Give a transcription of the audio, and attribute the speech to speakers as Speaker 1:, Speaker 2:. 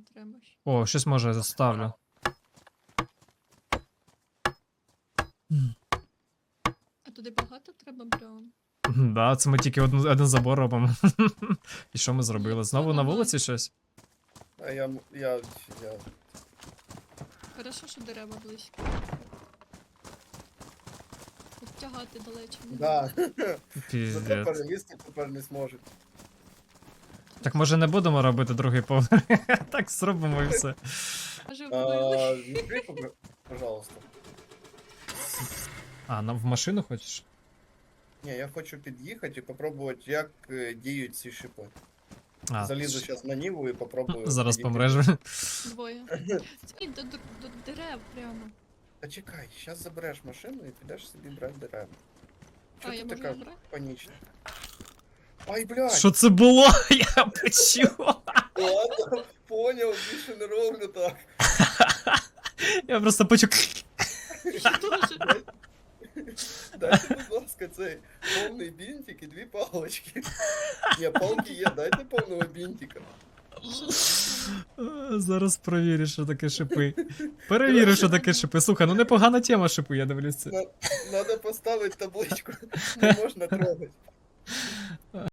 Speaker 1: треба ж.
Speaker 2: О, щось може заставлю.
Speaker 1: А туди багато треба бревен?
Speaker 2: Да, це ми тільки один забор робимо. І що ми зробили? Знову на вулиці щось?
Speaker 3: А я...
Speaker 1: Хорошо, що дерева близько. Тут тягати далече не
Speaker 3: Да. Зато
Speaker 2: Піздець.
Speaker 3: перелізти тепер не зможуть.
Speaker 2: Так може не будемо робити другий поверх? Так зробимо і все.
Speaker 1: Може вбили.
Speaker 3: Відкрий, пожалуйста.
Speaker 2: А, нам в машину хочеш?
Speaker 3: Ні, я хочу під'їхати і попробувати, як діють ці шипи.
Speaker 2: А,
Speaker 3: Залізу зараз на Ніву і попробую.
Speaker 2: зараз
Speaker 3: підійти.
Speaker 2: помреш.
Speaker 1: Двоє. Ні, до дерев прямо.
Speaker 3: Та чекай, зараз забереш машину і підеш собі брати дерева.
Speaker 1: А,
Speaker 3: Чого
Speaker 1: я
Speaker 3: ти
Speaker 1: можу
Speaker 3: така
Speaker 1: забрати?
Speaker 3: панічна? Ай, блядь!
Speaker 2: Що це було? Я почув.
Speaker 3: Ладно, поняв, більше не роблю так.
Speaker 2: Я просто почув.
Speaker 1: Я теж.
Speaker 3: Дайте, будь ласка, цей повний бінтик і 2 палочки. Ні, палки є, дайте повного бінтика.
Speaker 2: Зараз провірю, що таке шипи. Перевірю, що таке шипи. Слухай, ну непогана тема шипи, я дивлюся.
Speaker 3: Надо поставити табличку. Не можна трогати.